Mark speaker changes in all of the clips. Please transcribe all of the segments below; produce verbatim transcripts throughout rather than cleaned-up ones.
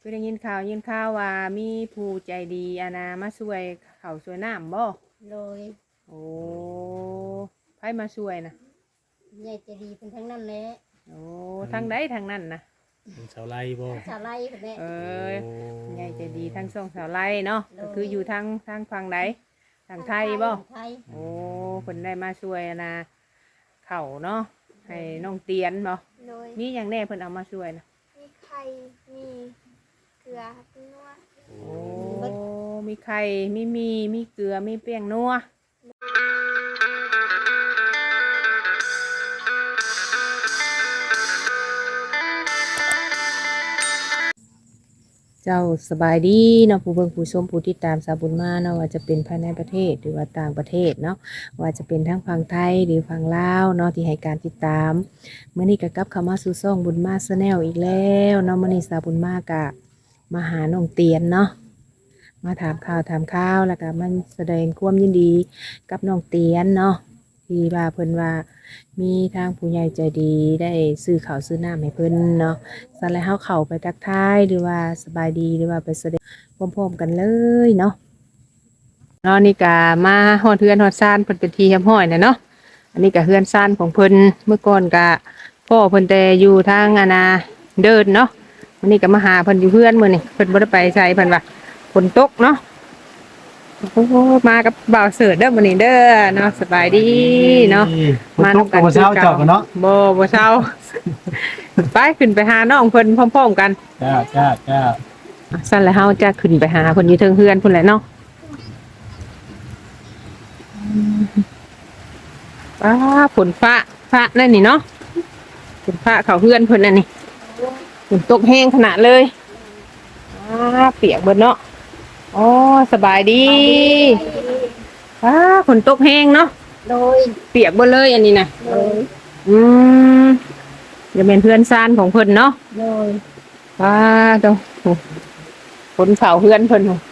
Speaker 1: คือได้ยินข่าวยินข่าวว่ามีผู้ใจดีอานามาช่วยเขาช่วยน้ำบ่
Speaker 2: โดย
Speaker 1: โอ้ไผมาช่วยนะ
Speaker 2: ใหญ่ใจะดีเป็นทั้งนั้นแหละ
Speaker 1: โอ้ทางใดทางนั้นนะ
Speaker 3: เป็นชาวไร่บ่
Speaker 2: ชาวไร่แบบนี้
Speaker 1: เออ
Speaker 3: โอ้
Speaker 1: ใหญ่ใจดีทั้งสองสาวไร่เนาะก็คืออยู่ทางทางฝั่งใดทางไทยบ่
Speaker 2: ไทย
Speaker 1: โอ้เพิ่นได้มาช่วยอานาเขาเนาะให้น้องเตียนบ่
Speaker 4: โดย
Speaker 1: มีอย่างแน่เพิ่นเอามาช่วยนะ
Speaker 4: มีไข่มีเกลือมีนัว
Speaker 1: โอ้มีไข่มีมีมีเกลือมีเปียงนัวเจ้าสบายดีเนาะผู้เบิ่งผู้ชมผู้ติดตามสาวบุญมาเนาะว่าจะเป็นภายในประเทศหรือว่าต่างประเทศเนาะว่าจะเป็นทั้งฝั่งไทยหรือฝั่งลาวเนาะที่ให้การติดตามเมื่อนี้ก็กลับเข้ามาสู่ช่องบุญมาแนลอีกแล้วเนาะมื่อนี้สาวบุญมากะมาหาน้องเตียนเนาะมาถามข่าวถามข่าวแล้วก็มันแสดงความยินดีกับน้องเตียนเนาะที่ว่าเพิ่นว่ามีทางผู้ใหญ่ใจดีได้ซื้อข้าวซื้อน้ำให้เพิ่นเนาะ สันแล้วเขาเข้าไปทักทายหรือว่าสบายดีหรือว่าไปแสดงพร้อมๆกันเลยเนาะเนาะนี่ก็มาฮอดเฮือนฮอดซ่านเพิ่นเป็นทีเฮียมห้อยน่ะเนาะอันนี้ก็เฮือนซ่านของเพิ่นเมื่อก่อนก็พ่อเพิ่นแต่อยู่ทางอาณาเดินเนาะวันนี้ก็มาหาเพิ่นอยู่เฮือนมื้อนี้เพิ่นบ่ได้ไปไสเพิ่นว่าฝนตกเนาะโอ้โหมากับบ่าวเสิร์ชเด้อมื้อนี้เด้อเนาะสบายดีเนาะ
Speaker 3: มาตกกับเช้าเจาะกันเนาะ
Speaker 1: บ่บ่เช้า ไปขึ้นไปหาน้องเพิ่นพร้อมๆกัน
Speaker 3: จ้าจ้าจ้า
Speaker 1: สั่นแล้วเฮาจะขึ้นไปหาเพิ่นอยู่เทิงเฮือนพุ่นแหละเนาะป้าฝนฟ้าฟ้านั่นนี่เนาะฝนฟ้าเข้าเฮือนเพิ่นนั่นนี่ฝนตกแห้งขนาดเลยอ้าเปียกเบิดเนาะอ๋อสบายดีป้าฝนตกแห้งเนาะ
Speaker 2: โดย
Speaker 1: เปียกเบิดเลยอันนี้น่ะ
Speaker 2: โดย
Speaker 1: อืมจะเป็นเพื่อนซ่านของเพิ่นเนาะ
Speaker 2: โดย
Speaker 1: ว้าตรงคนเผาเพื่อนเพิ่น
Speaker 2: โดย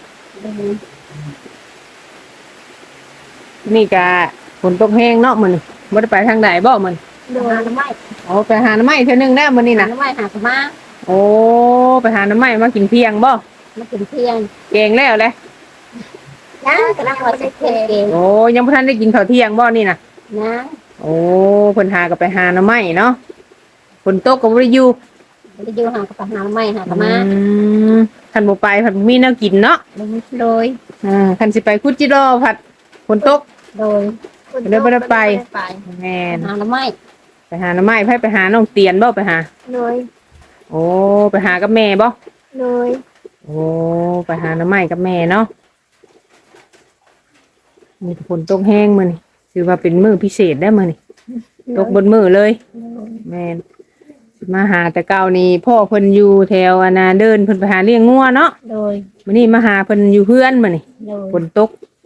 Speaker 1: นี่กะฝนตกแห้งเนาะมันบ่ได้ไปทางใดบ่มัน
Speaker 2: โดยหาน้ำไม้
Speaker 1: โอ้ไปหาน้ำไม้เทื่อนึงได้มื้อนี้
Speaker 2: หา
Speaker 1: น่ะ
Speaker 2: น้ำไม้หาสมา
Speaker 1: โอ้ไปหาน้ำไม้มากินเที่ยงบ่
Speaker 2: มากินเที่ยง
Speaker 1: แกงแล้วแหละ
Speaker 2: ยังกำลังว่าจะเทเอง
Speaker 1: โอ้ยังบ่ทันได้กินข้าวเที่ยงบ่นี่น่ะ
Speaker 2: นะ
Speaker 1: โอ้เพิ่นหาก็ไปหาน้ำไม้เนาะฝนตกก็บ่ได้อยู่
Speaker 2: จะอยู่หากับหาน้ำไม้หาสมา
Speaker 1: อืมคันบ่ไปผัดบ่มีแนวกินเนาะ
Speaker 2: โดย
Speaker 1: อ่าคันสิไปคุจิโร่ผัดฝนตก
Speaker 2: โดย
Speaker 1: เดี๋ยวบ่ได้ไป
Speaker 2: ไป
Speaker 1: แม่น
Speaker 2: หาน้ำไม้
Speaker 1: ไปหาน้ำไม้ไผไปหาน้องเตียนบ่ไปหา
Speaker 4: โดย
Speaker 1: โอ้ไปหากับแม่บ่
Speaker 4: โดย
Speaker 1: โอ้ไปหาน้ำไม้กับแม่เนาะมีฝนตกแห้งมื้อนี่ถือว่าเป็นมื้อพิเศษได้อมื้อนี่ตกบนมื้อเลยแม่นสิมาหาแต่เก่านี่พ่อเพิ่นอยู่แถวอานาเดินเพิ่นไปหาเลี้ยงงัวเนาะ
Speaker 2: โดย
Speaker 1: มื้อนี้มาหาเพิ่นอยู่เฮือนมื้อนี่
Speaker 2: โดย
Speaker 1: ฝนตก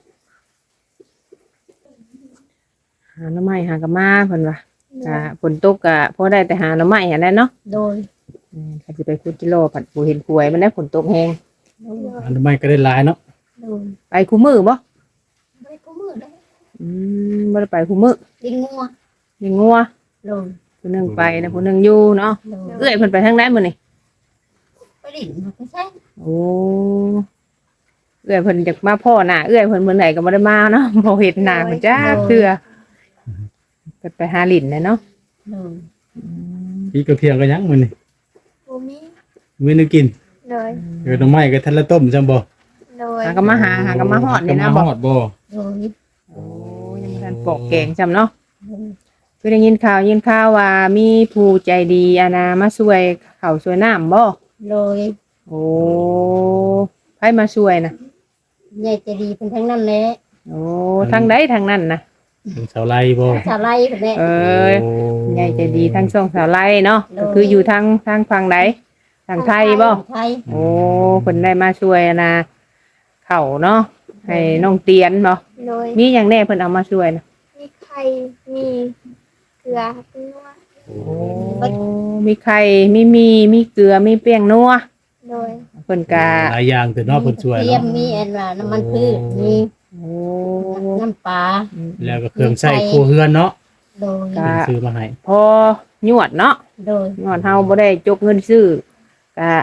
Speaker 1: หาน้ำไม้หากับมาเพิ่นว่าก็ฝนตกก็พอได้แต่หาน้ำไม้หั่นแหละเนาะ
Speaker 2: โดย
Speaker 1: อืมถ้าสิไปคุดกิโลผัดบ่เห็นป่วยมันได้ฝนตกแห้ง
Speaker 3: อันนั้นไม่ก็ได้หลายเนาะ
Speaker 2: โดย
Speaker 1: ไปคู่มือบ่
Speaker 2: ไม่กูมือได้
Speaker 1: อืมบ่ได้ไปคู่มือ
Speaker 2: กินงัว
Speaker 1: ยังงัว
Speaker 2: โดย
Speaker 1: ผู้หนึงไปนะผู้หนึงอยู่เนาะ
Speaker 2: โดย
Speaker 1: เอื้อยเพิ่นไปทางใดมื้อนี่
Speaker 2: ไปดิ่งมาไม่ใช่
Speaker 1: โอ้เอื้อยเพิ่นอยากมาพ่อหน้าเอื้อยเพิ่นมื้อไหนก็บ่ได้มาเนาะ บ่เห็นหน้าเพิ่นจ้าเทื่อเพิ่นไปหาลิ้นน่ะเนาะ
Speaker 2: โดย
Speaker 1: อืม
Speaker 3: พี่ก็เพียงก็ยังมื้อนี่
Speaker 4: บูมี
Speaker 3: มื้อนึงกิน
Speaker 4: โดย
Speaker 3: เออหน่อไม้ก็ทันละต้มจังบ่
Speaker 4: โดย
Speaker 1: หาก็มาหาหาก็มาฮอดนี่นะ
Speaker 3: มา
Speaker 1: บ่
Speaker 3: ฮอดบ่
Speaker 2: โดย
Speaker 1: โอ้ยังบ่ทันปอกแกงจำเนาะ
Speaker 2: โดย
Speaker 1: คือได้ยินข่าวยินข่าวว่ามีผู้ใจดีอานามาช่วยเขาช่วยน้ำบ่
Speaker 2: โดย
Speaker 1: โอ้ไผมาช่วยนะ
Speaker 2: ใหญ่ใจะดีเป็นทั้งนั้นแหละ
Speaker 1: โอ้ทางใดทางนั้นนะ
Speaker 3: เป็นชาวไร่บ่
Speaker 2: ชาวไร่แบบนี้
Speaker 1: เออ
Speaker 3: โอ้
Speaker 1: ใหญ่ใจดีทั้งสองสาวไร่เนาะ
Speaker 2: โดย
Speaker 1: ก็คืออยู่ทางทางฝั่งใดทางไทยบ่
Speaker 2: ไทย
Speaker 1: โอ้เพิ่นได้มาช่วยนะเขาเนาะให้น้องเตียนบ่
Speaker 4: โดย
Speaker 1: มีหยังแน่เพิ่นเอามาช่วยนะ
Speaker 4: มีไข่มีเกลือมีนัว
Speaker 3: โอ้
Speaker 1: โอ้มีไข่มีมีมีเกลือมีเปียงนัว
Speaker 4: โดย
Speaker 1: เพิ่นก็
Speaker 3: หลายอย่างแต่เนาะเพิ่นช่วย
Speaker 2: เทีย
Speaker 3: เนาะ
Speaker 2: มมีอันว่าน้ำมันพืชมี
Speaker 1: โอ้
Speaker 2: น้ำปลา
Speaker 3: แล้วก็เครื่องใช้ครัวเรือนเนาะ
Speaker 2: โดย
Speaker 1: ก็
Speaker 3: เพิ่นซื้อมาให้
Speaker 1: พอหยวดเนาะ
Speaker 2: โดย
Speaker 1: หยวดเฮาบ่ได้จกเงินซื้อก็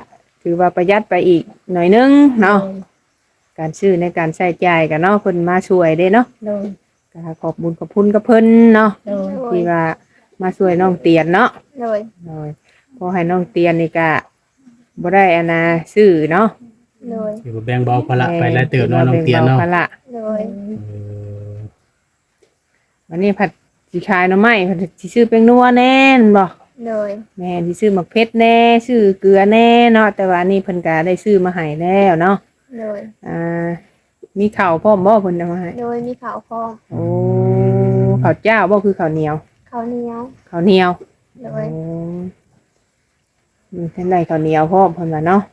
Speaker 1: ถือว่าประหยัดไปอีกหน่อยนึงเนาะการซื้อในการใช้จ่ายก็เนาะเพิ่นมาช่วยเด้เนาะ
Speaker 2: โดย
Speaker 1: ก็ขอบบุญขอบคุณกับเพิ่นเนาะ
Speaker 2: โดย
Speaker 1: ที่ว่ามาช่วยน้องเตียนเนาะ
Speaker 4: โดย
Speaker 1: โดยพอให้น้องเตียนนี่ก็บ่ได้อันน่ะซื้อเนาะ
Speaker 4: โดย
Speaker 3: สิบ่แบ่งเบาภาระไปแล้วเติบเนาะน้องเตียนเนาะ
Speaker 1: แบ่งบภระ
Speaker 4: โดย
Speaker 3: เออ
Speaker 1: วันนี้ผัดสิขายหน่อไม้ผัดสิซื้อเป็นนัวแน่นบ่
Speaker 4: โดย
Speaker 1: แม่สิซื้อหมักเพชรแน่ซื้อเกลือแน่เนาะแต่ว่านี่เพิ่นก็ได้ซื้อมาให้แล้วเนาะ
Speaker 4: โดย
Speaker 1: อ่ามีข้าวพร้อมบ่เพิ่นเอามาให้
Speaker 4: โดยมีข้าวพร้อม
Speaker 1: โอ้ข้าวเจ้าบ่คือข้าวเหนียว
Speaker 4: ข้าวเหนียว
Speaker 1: ข้าวเหนียว
Speaker 4: โด
Speaker 1: โอ้
Speaker 4: ย
Speaker 1: มีเพิ่นได้ข้าวเหนียวพร้อมเพิ่นว่าเนาะ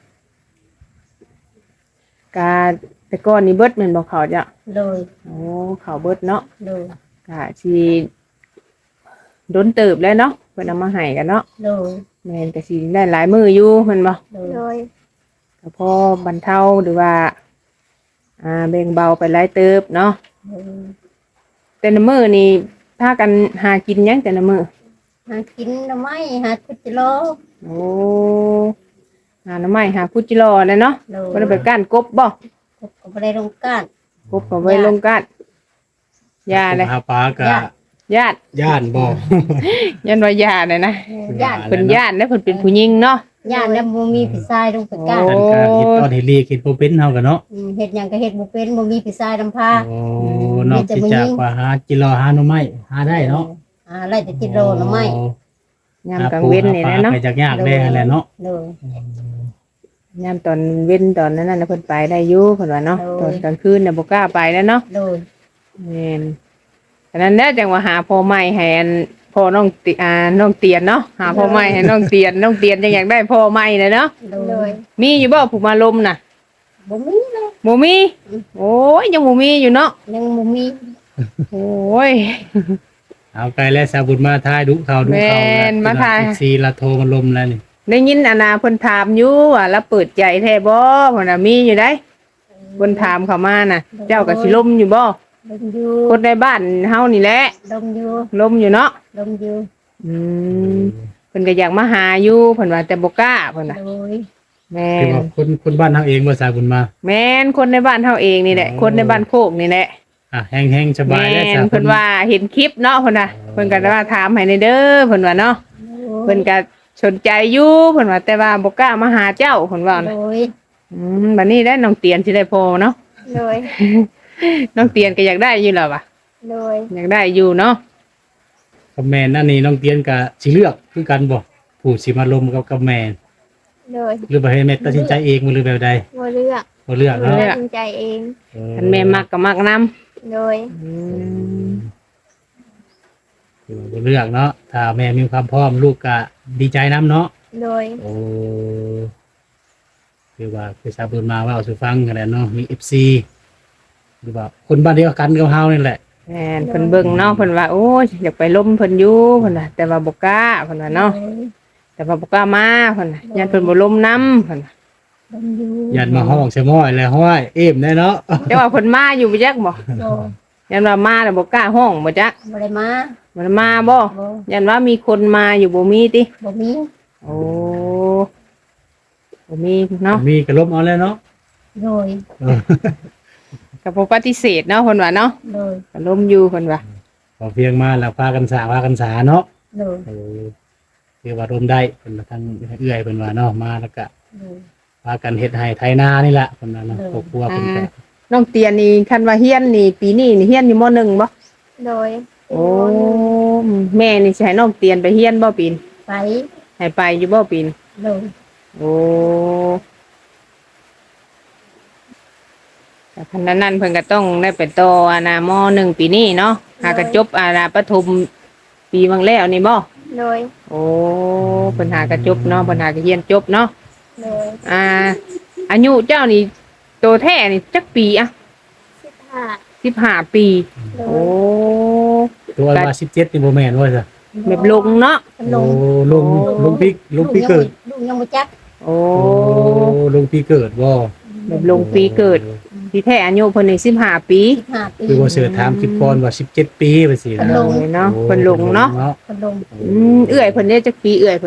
Speaker 1: กาแต่ก่อนนี่เบิดแม่นบ่ข้าวจ้ะ
Speaker 2: โดย
Speaker 1: โอ้ข้าวเบิดเนาะ
Speaker 2: โดย
Speaker 1: กะสิโดนเติบแล้วเนาะเพิ่นเอามาให้กันเนาะ
Speaker 2: โดย
Speaker 1: แม่นก็สิได้หลายมื้ออยู่แม่นบ่
Speaker 2: โดย
Speaker 4: โดย
Speaker 1: ก็พอบรรเทาหรือว่าอ่าแบ่งเบาไปหลายเติบเนาะแต่ละมื้อนี่พากันหากินหยังแต่ละมื้อ
Speaker 2: หากินหน่อไม้หาคุจิโล
Speaker 1: โอ้หาหน่อไม้หาพุจิรอเลยเนาะ
Speaker 2: โด
Speaker 1: บ่
Speaker 2: ย
Speaker 1: ได้ไปก้านกบบ่
Speaker 2: ก็บ่ได้ลงก้าน
Speaker 1: กบก็ไว้ลงก้านยาเลย
Speaker 3: หาปลาก็
Speaker 1: ญาติ
Speaker 3: ย่านบ่
Speaker 1: ยันว่าญาติเลยนะ
Speaker 2: ญาติ
Speaker 1: เพิ่นญาติแล้วเพิ่นเป็นผู้หญิงเนาะ
Speaker 2: ญาติแล้วบ่มีพี่ชายลงไปก้าน
Speaker 1: โอ้
Speaker 3: กันการเฮ็ดตอนเฮ็ดลีเฮ็ดบ่เป็นเฮากันเนาะ
Speaker 2: อืมเฮ็ดหยังก็เฮ็ดบ่เป็นบ่มีพี่ชายนำพา
Speaker 3: โอ้นอกจากว่าหากิโลหาหน่อไม้หาได้เนาะ
Speaker 2: อ่าไล่แต่จิโลหน่อไม้
Speaker 1: ยามกลางเว้นนี่แหละเนาะ
Speaker 3: ไปจากยากได้นั่นแหละเนาะ
Speaker 2: โดย
Speaker 1: ยามตอนเว้นตอนนั้นน่ะเพิ่นไปได้อยู่เพิ่นว่าเนาะ
Speaker 2: โอ้
Speaker 1: ตอนกลางคืนน่ะบ่กล้าไปแล้วเนาะ
Speaker 2: โดย
Speaker 1: แม่นฉะนั้นแน่จังว่าหาพ่อใหม่ให้อันพ่อน้องติอ่าน้องเตียนเนาะหาพ่อใหม่ให้น้องเตียนน้องเตียนจังอยากได้พ่อใหม่เลยเนาะ
Speaker 2: โด
Speaker 4: โด
Speaker 2: ย
Speaker 4: ย
Speaker 1: มีอยู่บ่ผู้มาลมน่ะ
Speaker 2: บ่มีเลย
Speaker 1: บ่มีโอ้ยยังบ่มีอยู่เนาะ
Speaker 2: ยังบ่มี
Speaker 1: โอ้ย
Speaker 3: เอาไกลแล้วสาบุญมาทายดุเขาดุเขา
Speaker 1: แม่นมาทาย
Speaker 3: ซีละโทรมาลมแล้วนี่
Speaker 1: ได้ยินอานาเพิ่นถามอยู่ว่าแล้วเปิดใจแท้บ่เพิ่นน่ะมีอยู่ได้เพิ่นถามเข้ามาน่ะ เจ้าก็สิลมอยู่บ่
Speaker 2: ลมอยู่
Speaker 1: คนในบ้านเฮานี่แหละ
Speaker 2: ลมอยู่
Speaker 1: ลมอยู่เนาะ
Speaker 2: ลมอยู่
Speaker 1: อืมเพิ่นก็อยากมาหาอยู่เพิ่นว่าแต่บ่กล้าเพิ่นน่ะ
Speaker 2: โดย
Speaker 1: แม่
Speaker 3: คือน ว่าคนคนบ้านเฮาเองบ่สาบุญมา
Speaker 1: แม่นคนในบ้านเฮาเองนี่แหละ
Speaker 3: อ๋อ
Speaker 1: คนในบ้านโคกนี่แหละ
Speaker 3: อ่ะแห้งๆสบาย
Speaker 1: แม่
Speaker 3: แล้ว
Speaker 1: น
Speaker 3: สาบุ
Speaker 1: เพิ่
Speaker 3: ญ
Speaker 1: นว่าเห็นคลิปเนาะเพิ่นน่ะเพิ่นก็ว่าถามให้ในเด้อเพิ่นว่าเนาะเพิ่นก็สนใจอยู่เพิ่นว่าแต่ว่าบ่กล้ามาหาเจ้าเพิ่นว่า
Speaker 2: โด
Speaker 1: นะ
Speaker 2: ย
Speaker 1: อืมบัดนี้ได้น้องเตียนสิได้พอเนาะ
Speaker 4: โดย
Speaker 1: น้องเตียนก็อยากได้อยู่แล้วว่ะ
Speaker 4: โดย
Speaker 1: อยากได้อยู่เนาะ
Speaker 3: กับแม่นอันนี้น้องเตียนก็สิเลือกคือกันบ่ผู้สิมาลมกับกับแม่
Speaker 4: โดย
Speaker 3: หรือบ่ให้แม่ตัดสินใจเองบ่หรือแบบใด
Speaker 4: บ่เลือก
Speaker 3: บ่เลือกเนาะ
Speaker 4: ตัดสินใจเอง
Speaker 3: เออ
Speaker 1: คันแม่มักก็มักนำ
Speaker 4: โดย
Speaker 1: อืม
Speaker 3: คือว่าบ่เลือกเนาะถ้าแม่มีความพร้อมลูกก็ดีใจนํเนาะ
Speaker 4: โดย
Speaker 3: โอ้คือว่าคือสาบุญมาว่าเอาสู่ฟังกันแหละเนาะมี เอฟ ซี หรือว่าคนบ้านเดียวกันกับเฮานี่แหละ
Speaker 1: แม่นเพิ่นเบิ่งเนาะเพิ่นว่าโอ้ยอยากไปล้มเพิ่นอยู่เพิ่นน่ะแต่ว่าบ่กล้าเพิ่นว่าเนาะแต่ว่าบ่กล้ามาเพิ่นน่ะยันเพิ่นบ่ล้มนํเพิ่นน่ะ
Speaker 2: ลมอยู่
Speaker 3: ยันมาห้องเสยม้อยแล้วห้อยเอ็มได้เนาะ
Speaker 1: แต่ว่าเพิ่นมาอยู่บ่จักบ่
Speaker 2: โดย
Speaker 1: ยันว่ามาแล้วบ่กล้าห้องบ่จัก
Speaker 2: บ่ได้มา
Speaker 1: บ่ได้มาบ่
Speaker 2: บ่
Speaker 1: ยันว่ามีคนมาอยู่บ่มีติ
Speaker 2: บ่มี
Speaker 1: โอ้บ่มีเนาะ
Speaker 3: มีกระลบเอาแล้วเนาะ
Speaker 2: โดย
Speaker 3: เออ
Speaker 1: ก็บ่ปฏิเสธเนาะเพิ่นว่าเนาะ
Speaker 2: โดย
Speaker 1: ก็ล้มอยู่เพิ่นว่า
Speaker 3: พอเพียงมาแล้วพากันสาพากันสาเนาะ
Speaker 2: โดย
Speaker 3: เออคือว่าร่วมได้เพิ่นมาทางเอื้อยเพิ่นว่าเนาะมาแล้วก็
Speaker 2: โดย
Speaker 3: พากันเฮ็ดให้ไถนานี่แหละเพิ่นว่าเนาะครอบครัวเพิ่นก็
Speaker 1: น้องเตียนนี่คันว่าเฮียนนี่ปีนี้นี่เฮียนอยู่ม หนึ่งบ่
Speaker 4: โดย
Speaker 1: โอ้แม่นี่สิให้น้องเตียนไปเฮียนบ่ปีน
Speaker 2: ไป
Speaker 1: ให้ไปอยู่บ่ปีน
Speaker 2: โดย
Speaker 1: โอ้แต่พันนั้นนั่นเพิ่นก็ต้องได้ไปต่ออานามหนึ่งปีนี้เนาะหากระจบอาณาปฐมปีบางแล้วนี่บ่
Speaker 4: โดย
Speaker 1: โอ้เพิ่นหากระจบเนาะเพิ่นหากระเรียนจบเนาะ
Speaker 4: โดย
Speaker 1: อ่าอายุเจ้านี่โตแท้นี่จักปีอะ
Speaker 4: สิบห้า
Speaker 1: สิบห้าปี
Speaker 4: โด
Speaker 1: โอ้
Speaker 4: ย
Speaker 3: ตัวว่าสิบเจ็ดนี่บ่แม่นว่าซะ
Speaker 1: แบบลงเนาะ
Speaker 2: ล
Speaker 3: โอ้
Speaker 2: ง
Speaker 3: ลงลงพี่ลงพี่เกิด
Speaker 2: ลูกยังบ่จัก
Speaker 1: โอ้
Speaker 3: โอ้ลงพี่เกิดบ่
Speaker 1: แบบลงปีเกิดที่แท้อายุเพิ่นนี่สิบห้าปี
Speaker 2: สิบห้าปี
Speaker 3: คือว่าเสือถามคลิปก่อนว่าสิบเจ็ดปีไปสิ
Speaker 2: เพิ่น
Speaker 3: นะ
Speaker 2: ลง
Speaker 1: เนาะเพิ่นลงเนาะ
Speaker 2: เพิ่นลง
Speaker 1: อืมเอื้อยเพิ่นเนี่ยจักปีเอื้อยเพิ่น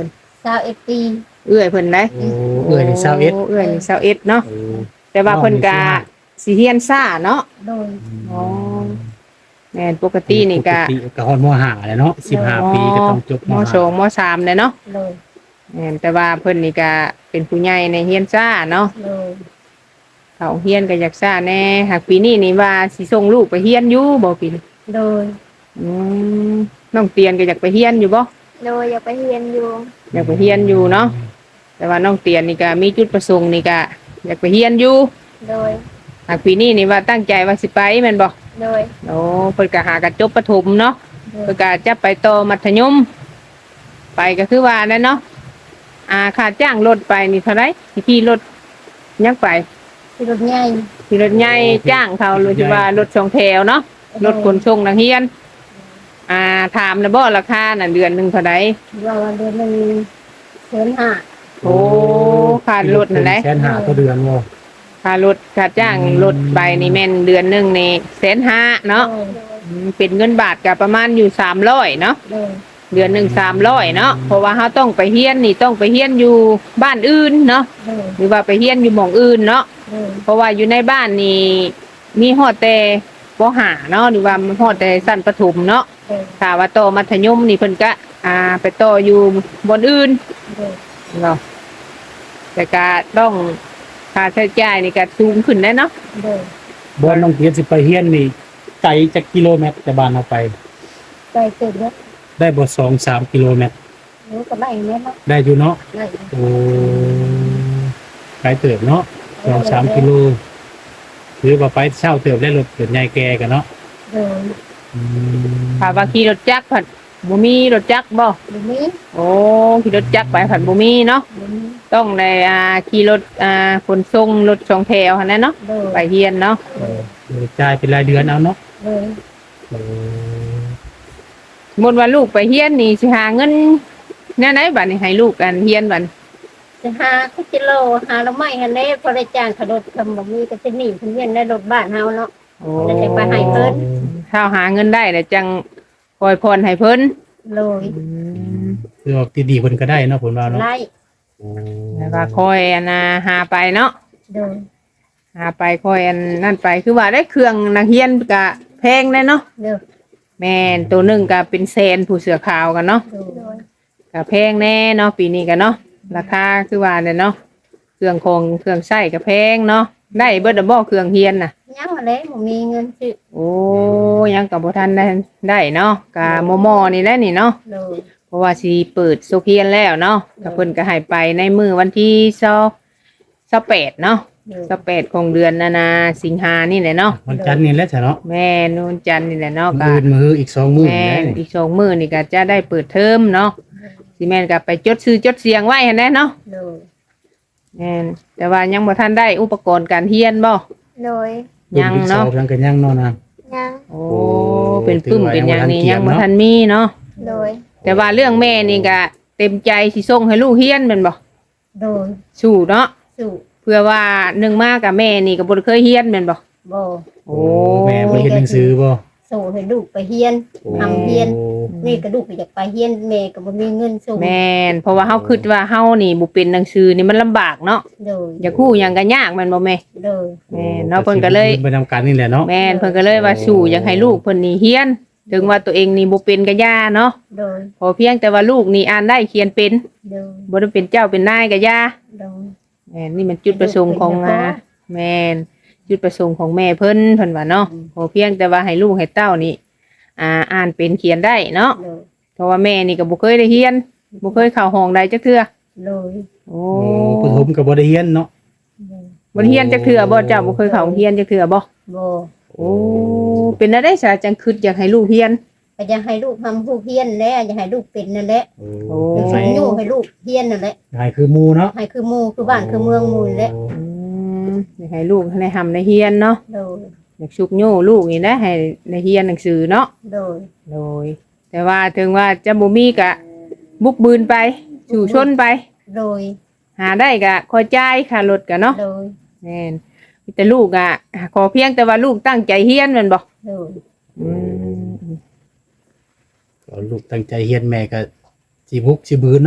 Speaker 2: สาวเอฟปี
Speaker 1: เอื้อยเพิ่นได้
Speaker 3: โอ้เอื้อยนี่สาวเอ็ด
Speaker 1: โเอื้อยนี่สาวเอ็ดเนาะ
Speaker 3: โอ้
Speaker 1: แต่ว่าเพิ่นก็สิเฮียนซ่าเนาะ
Speaker 2: โดย
Speaker 1: อ๋อ แม่นปกตินี่ก็
Speaker 3: ปติก็ฮอดมห้าแหละเนาะสิบห้าปีก็ต้องจบ
Speaker 1: ม
Speaker 3: ม
Speaker 1: สองมสามเลยเนาะ
Speaker 2: โดย
Speaker 1: แม่นแต่ว่าเพิ่นนี่ก็เป็นผู้ใหญ่ในเฮียนซ่าเนาะ
Speaker 2: โดย
Speaker 1: เขาเฮียนก็อยากซ่าแน่หากปีนี้นี่ว่าสิส่งลูกไปเฮียนอยู่บ่ปีนี้
Speaker 2: โดย
Speaker 1: อืมน้องเตียนก็อยากไปเฮียนอยู่บ่
Speaker 4: โดยอยากไปเรียนอยู่
Speaker 1: อยากไปเฮียนอยู่เนาะแต่ว่าน้องเตียนนี่ก็มีจุดประสงค์นี่ก็อยากไปเฮียนอยู่
Speaker 4: โดย
Speaker 1: หากปีนี้นี่ว่าตั้งใจว่าสิไปแม่นบ่
Speaker 4: โดย
Speaker 1: โอ้เพิ่นก็หากระจบประถมเนาะ
Speaker 2: โด
Speaker 1: เพิ่
Speaker 2: ย
Speaker 1: นก็จะไปต่อมัธยม ไปก็คือว่านั่นเนาะอ่าค่าจ้างรถไปนี่เท่าไหร่ขี่รถยังไป
Speaker 2: ที่รถใหญ่
Speaker 1: ขี่รถใหญ่จ้างเขาหรือสิว่ารถสองแถวเนาะรถขนส่งนักเรียน อ่าถามแล้วบ่ราคาน่ะเดือนหนึงเท่าใด
Speaker 2: ว่าวันเดือนหนึ่งเดือนห้า
Speaker 1: โอ้ค่ารถนั่นแหละ
Speaker 3: แสนห้าต่อเดือนบ่
Speaker 1: ค่ารถค่าจ้างรถไปนี่แม่นเดือนหนึงนี่แสนห้าเนาะ
Speaker 2: โดย
Speaker 1: อืมเป็นเงินบาทก็ประมาณอยู่สามร้อยเนาะ
Speaker 2: โดย
Speaker 1: เดือนหนึ่งสามร้อยเนาะเพราะว่าเขาต้องไปเฮียนนี่ต้องไปเฮียนอยู่บ้านอื่นเนาะ
Speaker 2: โดย
Speaker 1: หรือว่าไปเฮียนอยู่หม่องอื่นเนาะ
Speaker 2: โดย
Speaker 1: เพราะว่าอยู่ในบ้านนี่มีฮอดแต่ปห้าเนาะหรือว่าฮอดแต่สั้นประถมเนาะ
Speaker 2: โดย
Speaker 1: ถ้าว่าโตอมัธยมนี่เพิ่นก็อ่าไปโตออยู่บนอื่น
Speaker 2: โดย
Speaker 1: เนาะแต่ก็ต้องค่าใช้จ่ายนี่ก็สูงขึ้นแน่เนาะ
Speaker 2: โดย
Speaker 3: บ่น้องเตียนสิไปเฮียนนี่ไกลจักกิโลเมตรจากบ้านเราไป
Speaker 2: ไปเกิดแล้ว
Speaker 3: ได้บ่สองสามกิโลเมตร
Speaker 2: รู้ก็ได้เนี่ยเนาะ
Speaker 3: ได้อยู่เนาะ
Speaker 2: ได้
Speaker 3: โอ้ไกลเติบเนาะสองสามกิโลหรือว่าไปเช่าเติบได้รถเกิดใหญ่แก่กันเนาะ
Speaker 2: โดย
Speaker 3: อืม
Speaker 1: ถ้าว่าขี่รถจักรผัดบ่มีรถจักรบ่
Speaker 2: บุมี
Speaker 1: โอ้ขี่รถจักรไปผัดบ่มีเนาะ
Speaker 2: บุมี
Speaker 1: ต้องในอ่าขี่รถอ่าขนส่งรถสองแถวหั่นน่ะเนาะ
Speaker 2: โดย
Speaker 1: ไปเฮียนเนาะ
Speaker 3: เออเดี๋ยวจ่ายเป็นรายเดือนเอาเนาะ
Speaker 2: โดย
Speaker 3: โอ้
Speaker 1: สมมุติว่าลูกไปเฮียนนี่สิหาเงินแนวไหนบัดนี้ให้ลูกกันเฮียนบัด
Speaker 2: จะหาคุจิโลหาละไม้ฮันเด้พอได้จ้างขรถคำบ่มีก็จะหนีเพิ่นเวียนได้รถบ้านเฮาเนาะ
Speaker 1: โอ้
Speaker 2: แล้วจะไปให้เพิ่น
Speaker 1: ถ้าหาเงินได้แล้วจังปล่อยพรให้เพิ่น
Speaker 2: โดย
Speaker 3: คือว่าดีๆเพิ่นก็ได้เนาะผลว่าเนาะ
Speaker 2: ไล่
Speaker 3: โอ้
Speaker 1: แล้วก็คอยอันน่ะหาไปเนาะ
Speaker 2: โดย
Speaker 1: หาไปคอยอันนั่นไปคือว่าได้เครื่องนักเรียนก็แพงแน่เนาะ
Speaker 2: เด้อ
Speaker 1: แม่นตัวหนึงก็เป็นแสนผู้เสือขาวกันเนาะ
Speaker 2: โดย
Speaker 4: โดย
Speaker 1: ก็แพงแน่เนาะปีนี้ก็เนาะราคาคือว่าเนี่ยเนาะเครื่องคงเครื่องใช้ก็แพงเนาะได้เบิดดอกบ่เครื่องเฮียนน่ะ
Speaker 2: ยังมาเลยบ่มีเงินซื้อ
Speaker 1: โอ้ยังกับบ่ทันได้ได้เนาะกะมอมอนี่แหละนี่เนาะ
Speaker 2: โดย
Speaker 1: เพราะว่าสิเปิดโซเพียนแล้วเนาะก็เพิ่นก็ให้ไปในมื้อวันที่ยี่สิบแปดเนาะ
Speaker 2: โดย
Speaker 1: ยี่สิบแปดของเดือนนานาสิงหานี่แหละเนาะ
Speaker 3: วันจันทร์นี่แหละจ้ะเนาะ
Speaker 1: แม่นูนจันทร์นี่แหละเนาะ
Speaker 3: มื้
Speaker 1: ก็
Speaker 3: ออื่นมื้ออีกสองมื้อ
Speaker 1: แม่
Speaker 3: ได้
Speaker 1: น
Speaker 3: นี่
Speaker 1: อีกสองมื้อนี่ก็จะได้เปิดเทอมเนาะสิแม่นก็ไปจดชื่อจดเสียงไว้หั่นแหละเนาะ
Speaker 2: โดย
Speaker 1: แม่นแต่ว่ายังบ่ทันได้อุปกรณ์การเรียนบ่
Speaker 4: โดย
Speaker 1: ยังเนาะ
Speaker 3: รุ่ที่สองยังก็ยังเนาะนะ
Speaker 4: ยัง
Speaker 1: โอ้เป็นปึ้มเป็นหยังนี่
Speaker 3: ถือว่ายั
Speaker 1: ยัง
Speaker 3: งบ่
Speaker 1: บ่
Speaker 3: ทั
Speaker 1: ทัน
Speaker 3: น
Speaker 1: มีเนาะ
Speaker 4: โดย
Speaker 1: แต่ว่าเรื่องแม่นี่ก็เต็มใจสิส่งให้ลูกเรียนแม่นบ่
Speaker 2: โดย
Speaker 1: สู้เนาะ
Speaker 2: สู่
Speaker 1: เพื่อว่าหนึ่งมากับแม่นี่ก็บ่ได้เคยเรียนแม่นบ่
Speaker 2: บ่
Speaker 3: โอ้แม่บ่เรียนหนังสือบ่
Speaker 2: สู่ให้ลูกไปเฮียน ทำเฮียน นี่ก็ลูกก็อยากไปเฮียนแม่ก็บ่มีเงินส่ง
Speaker 1: แม่นเพราะว่าเฮาคิดว่าเฮานี่บ่เป็นหนังสือนี่มันลำบากเนาะ
Speaker 2: โดย
Speaker 1: อยากฮู้หยังก็ยากแม่นบ่แม่
Speaker 2: โดย
Speaker 1: แม่นเนาะเพิ่นก็เลย
Speaker 3: ไปทำการนี่แหละเนาะ
Speaker 1: แม่นเพิ่นก็เลยว่าสู้อยากให้ลูกเพิ่นนี่เรียน ถึงว่าตัวเองนี่บ่เป็นก็ย่าเนาะ
Speaker 2: โดย
Speaker 1: พอเพียงแต่ว่าลูกนี่อ่านได้เขียนเป็น
Speaker 2: โดย
Speaker 1: บ่ได้เป็นเจ้าเป็นนายก็ย่า
Speaker 2: โดย
Speaker 1: แม่นนี่มันจุดประสงค์ของอ่าแม่นจุดประสงค์ของแม่เพิ่นเพิ่นว่าเนาะ
Speaker 2: อืม
Speaker 1: พอเพียงแต่ว่าให้ลูกให้เต้านี่อ่าอ่านเป็นเขียนได้เนาะ
Speaker 2: โดย
Speaker 1: เพราะว่าแม่นี่ก็บ่เคยได้เรียนบ่เคยเข้าห้องใดจักเทื่อ
Speaker 2: โดย
Speaker 1: โอ้
Speaker 3: โอ้ปฐมก็บ่ได้เรียนเนาะ
Speaker 1: บ่ได้เรียนจักเทื่อบ่เจ้าบ่เคยเข้าโรงเรียนจักเทื่อบ่
Speaker 2: บ่
Speaker 1: โอ้เป็นอะไรซะจังคิดอยากให้ลูกเรียน
Speaker 2: ก็อยากให้ลูกทำผู้เฮียนแหละอยากให้ลูกเป็นนั่นแหละ
Speaker 1: โอ้
Speaker 2: อยากส่งอยู่ให้ลูกเฮียนนั่นแหละ
Speaker 3: ให้คือหมู่เนาะ
Speaker 2: ให้คือหมู่คือบ้านคือเมืองหมู่นี่แหละ
Speaker 1: อืมอยากให้ลูกได้ทำได้เรียนเนาะ
Speaker 2: โดย
Speaker 1: อยากชุกโย่ลูกนี่นะให้ได้เรียนหนังสือเนาะ
Speaker 2: โดย
Speaker 1: โดยแต่ว่าถึงว่าจะบ่มีก็บุกบืนไปสู่ชนไป
Speaker 2: โดย
Speaker 1: หาได้ก็คอยจ่ายค่ารถก็เนาะ
Speaker 2: โดย
Speaker 1: แม่นมีแต่ลูกอ่ะขอเพียงแต่ว่าลูกตั้งใจเรียนแม่นบ่
Speaker 2: โดย
Speaker 1: อืม
Speaker 3: ก็ลูกตั้งใจเรียนแม่ก็สิบุกสิบืนเนาะ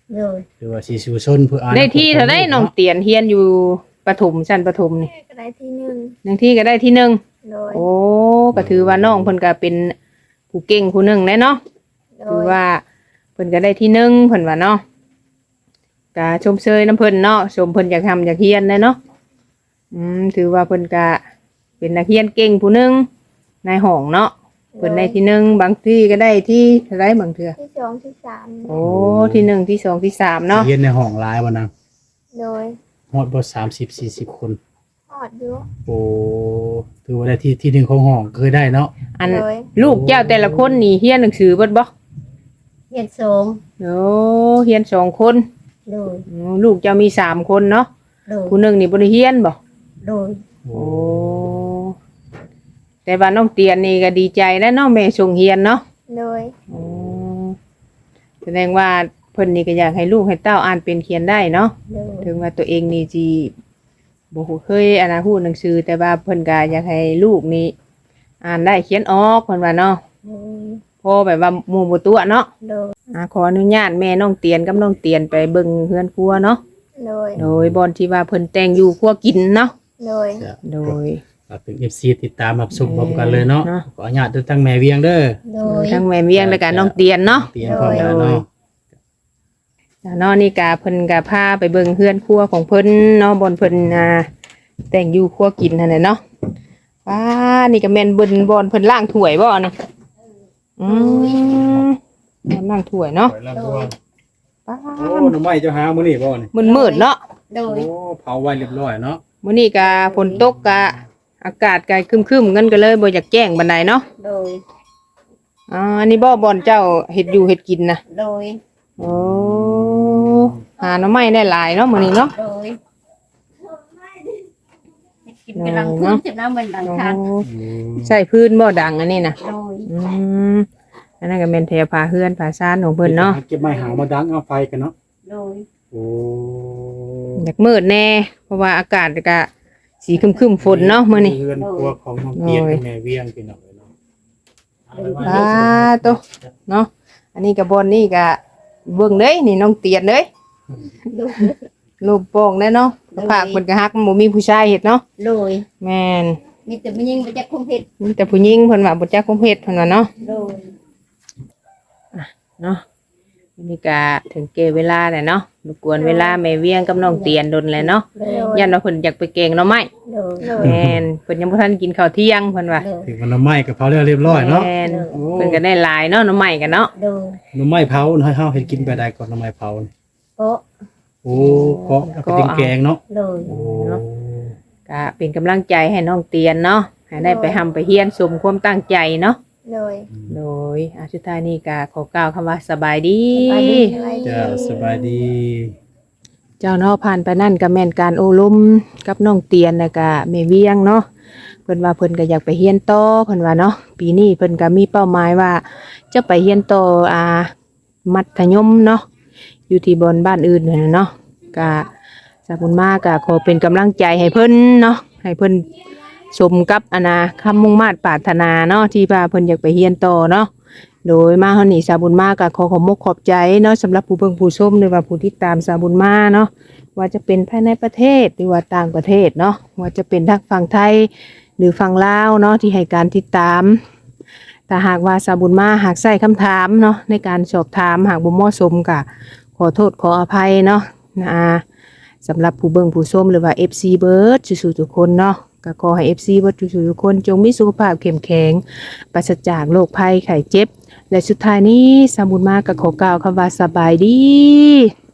Speaker 2: เลย
Speaker 3: หรือว่าสิสู่ชนเพื่ออ่าน
Speaker 1: ได้ที่เท่าได้น้องเตียนเฮียนอยู่ประถมชั้นประถมนี่
Speaker 4: ก็ได้ที่หนึ่ง
Speaker 1: บางที่ก็ได้ที่หนึ่ง
Speaker 4: โดย
Speaker 1: โอ้ก็ถือว่าน้องเพิ่นก็เป็นผู้เก่งผู้หนึ่งแหละเนาะ
Speaker 4: โด
Speaker 1: ถือย ว่าเพิ่นก็ได้ที่หนึ่งเพิ่นว่าเนาะก็ชมเชยน้ำเพิ่นเนาะชมเพิ่นอยากทำอยากเฮียนเลยเนาะอืมถือว่าเพิ่นก็เป็นนักเรียนเก่งผู้หนึ่งในห้องเนาะเพิ่นได้ที่หนึ่งบางที่ก็ได้ที่เท่าไรบางเทื่อ
Speaker 4: ที่สองที่สาม
Speaker 1: โอ้ที่หนึ่งที่สองที่สามเนาะ
Speaker 3: เรียนในห้องหลายบ่นาง
Speaker 4: โดย
Speaker 3: ฮอดบ่สามสิบ สี่สิบคน
Speaker 4: หอดอยู่
Speaker 3: โอ้ถือว่าได้ที่ที่หนึ่งของห้องเคยได้เนาะ
Speaker 1: อัน
Speaker 4: โดย
Speaker 1: ลูกเจ้าแต่ละคนนี่เฮียนหนังสือเบิดบ่
Speaker 2: เรียนสอง
Speaker 1: โอ้เฮียนสองคน
Speaker 2: เลย
Speaker 1: อืมลูกเจ้ามีสามคนเนาะ
Speaker 2: เลย
Speaker 1: ผู้หนึ่งนี่บ่ได้เฮียนบ่
Speaker 2: เลย
Speaker 3: โอ้
Speaker 1: โอ้แต่ว่าน้องเตียนนี่ก็ดีใจแล้วเนาะแม่ส่งเฮียนเนาะ
Speaker 4: โดย
Speaker 1: อ๋อแสดงว่าเพิ่นนี่ก็อยากให้ลูกให้เต้าอ่านเป็นเขียนได้เนาะ
Speaker 2: เลย
Speaker 1: ถึงว่าตัวเองนี่สิบ่ฮู้เคยอ่านฮู้หนังสือแต่ว่าเพิ่นก็อยากให้ลูกนี่อ่านได้เขียนออกเพิ่นว่าเนาะ
Speaker 2: เลย
Speaker 1: พอแบบว่าหมู่บ่ตัวเนาะ
Speaker 2: เลย
Speaker 1: อ่าขออนุญาตแม่น้องเตียนกับน้องเตียนไปเบิ่งเฮือนครัวเนาะ
Speaker 4: โดย
Speaker 1: โดยบอนที่ว่าเพิ่นแต่งอยู่ครัวกินเนาะ
Speaker 4: โดย
Speaker 3: จะ
Speaker 1: โดย
Speaker 3: ฝากถึง เอฟ ซี ติดตามรับชมพร้อมกันเลยเนาะ
Speaker 1: เนาะ
Speaker 3: ขออนุญาตทั้งแม่เวียงเด้อ
Speaker 2: เลย
Speaker 1: ทั้งแม่เวียงและก็น้องเตียนเนาะ
Speaker 3: เตียนพร้อมกันเนาะ
Speaker 1: แล้วเนาะนี่กาเพิ่นกาพาไปเบิ่งเฮือนครัวของเพิ่นเนาะบอนเพิ่นอ่าแต่งอยู่ครัวกินนั่นแหละเนาะว้านี่ก็แม่นเบิ่นบอนเพิ่นล้างถ้วยบ่นี่อืมบอนล้างถ้วยเนาะป้า
Speaker 3: โอ้หน่อไม้เจ้าหามื้อนี้บ่นี่
Speaker 1: มันมืดๆเนาะ
Speaker 2: เลย
Speaker 3: โอ้เผาไว้เรียบร้อยเนาะ
Speaker 1: มื้อนี้ก็ฝนตกก็อากาศก็ครึมๆกันก็เลยบ่อยากแจ้งบันไดเนาะ
Speaker 2: เลย
Speaker 1: อ่าอันนี้บ่บอนเจ้าเฮ็ดอยู่เฮ็ดกินน่ะ
Speaker 2: เลย
Speaker 1: โอ้หาหน่อไม้ได้หลายเนาะมื้อนี้เนาะ
Speaker 2: เลยกินกำลังพื้นจะน้ำมันดังทาง
Speaker 1: โอ้ใส่พื้นบ่ดังอันนี้น่ะ
Speaker 2: เลย
Speaker 1: อืมอันนั้นก็เป็นแถวผาเฮือนผาซ่านของเพิ่นเนาะ
Speaker 3: เก็บไม้หางมาดังเอาไฟกันเนาะ
Speaker 2: เลย
Speaker 3: โอ้
Speaker 1: อยากมืดแน่ เพราะว่าอากาศก็สีครึมๆฝนเนาะมื้อนี้
Speaker 3: เรือนครัวของน้องเตียนกับแม่เวียงพี่น้องเอ้ยเนาะ
Speaker 1: ปาโตเนาะอันนี้ก็บ่อนนี่ก็เบิ่งเด้ยนี่น้องเตียนเด้ย
Speaker 2: เลย
Speaker 1: รูปโป่งเด้เนาะภาคเพิ่นก็ฮักมันบ่มีผู้ชายเฮ็ดเนาะ
Speaker 2: เลย
Speaker 1: แม่น
Speaker 2: มีแต่ไม่ยิงไปจากคงเห็ด
Speaker 1: มีแต่ผู้หญิงเพิ่นว่าบ่จักคมเฮ็ดเพิ่นว่าเนาะ
Speaker 2: เลย
Speaker 1: เนาะอันนี้ก็ถึงเกเวลาแล้วเนาะรบกวนเวลาแม่เวียงกับน้องเตียนดนแล้วเนาะ
Speaker 2: เลย
Speaker 1: ยันว่าเพิ่นอยากไปแกงหน่อไม้
Speaker 2: เลย
Speaker 4: โดย
Speaker 1: แม่นเพิ่นยังบ่ทันกินข้าวเที่ยงเพิ่นว่า
Speaker 2: เลย
Speaker 3: ถึงมันหน่อไม้กับเผาแล้วเรียบร้อยเนาะ
Speaker 1: แม่น
Speaker 3: โอ้
Speaker 1: เพิ่นก็ได้หลายเนาะหน่อไม้กันเนาะ
Speaker 2: เลย
Speaker 3: หน่อไม้เผาให้เฮาเฮ็ดกินไปได้ก่อนหน่อไม้เผานี่
Speaker 2: โป๊ะ
Speaker 3: โอ้ก็เอาไปเป็นแกงเนาะ
Speaker 2: เลย
Speaker 3: โอ้
Speaker 1: ก็เป็นกำลังใจให้น้องเตียนเนาะให้ได้ไปทำไปเฮียนสมความตั้งใจเนาะ
Speaker 4: โดย
Speaker 1: โดยอาสุดท้ายนี้ก็ขอกล่าวคำว่าสบายดี
Speaker 2: ไปดี
Speaker 4: สบายดี
Speaker 3: เจ้าสบายดี
Speaker 1: เจ้าเนาะผ่านไปนั่นก็แม่นการโอลมกับน้องเตียนแล้วก็แม่เวียงเนาะเพิ่นว่าเพิ่นก็อยากไปเฮียนต่อเพิ่นว่าเนาะปีนี้เพิ่นก็มีเป้าหมายว่าจะไปเฮียนต่ออ่ามัธยมเนาะอยู่ที่บนบ้านอื่นนั่นน่ะเนาะก็สาบุญมาก็ขอเป็นกำลังใจให้เพิ่นเนาะให้เพิ่นสมกับอนาคำมุ่งมาตรปรารถนาเนาะที่ว่าเพิ่นอยากไปเฮียนต่อเนาะโดยมาเฮานี่สาบุญมาก็ขอขอบมกขอบใจเนาะสำหรับผู้เบิ่งผู้ชมหรือว่าผู้ที่ตามสาบุญมาเนาะว่าจะเป็นภายในประเทศหรือว่าต่างประเทศเนาะว่าจะเป็นทางฝั่งไทยหรือฝั่งลาวเนาะที่ให้การติดตามถ้าหากว่าสาบุญมาหากใส่คำถามเนาะในการสอบถามหากบ่เหมาะสมก็ขอโทษขออภัยเนาะนะสำหรับผู้เบิ่งผู้ชมหรือว่า เอฟ ซี เบิร์ดสุๆทุกคนเนาะก็ขอให้ เอฟ ซี เบิร์ดสุๆทุกคนจงมีสุขภาพเข้มแข็งปราศจากโรคภัยไข้เจ็บและสุดท้ายนี้สาบุญมาก็ขอกล่าวคำว่าสบายดี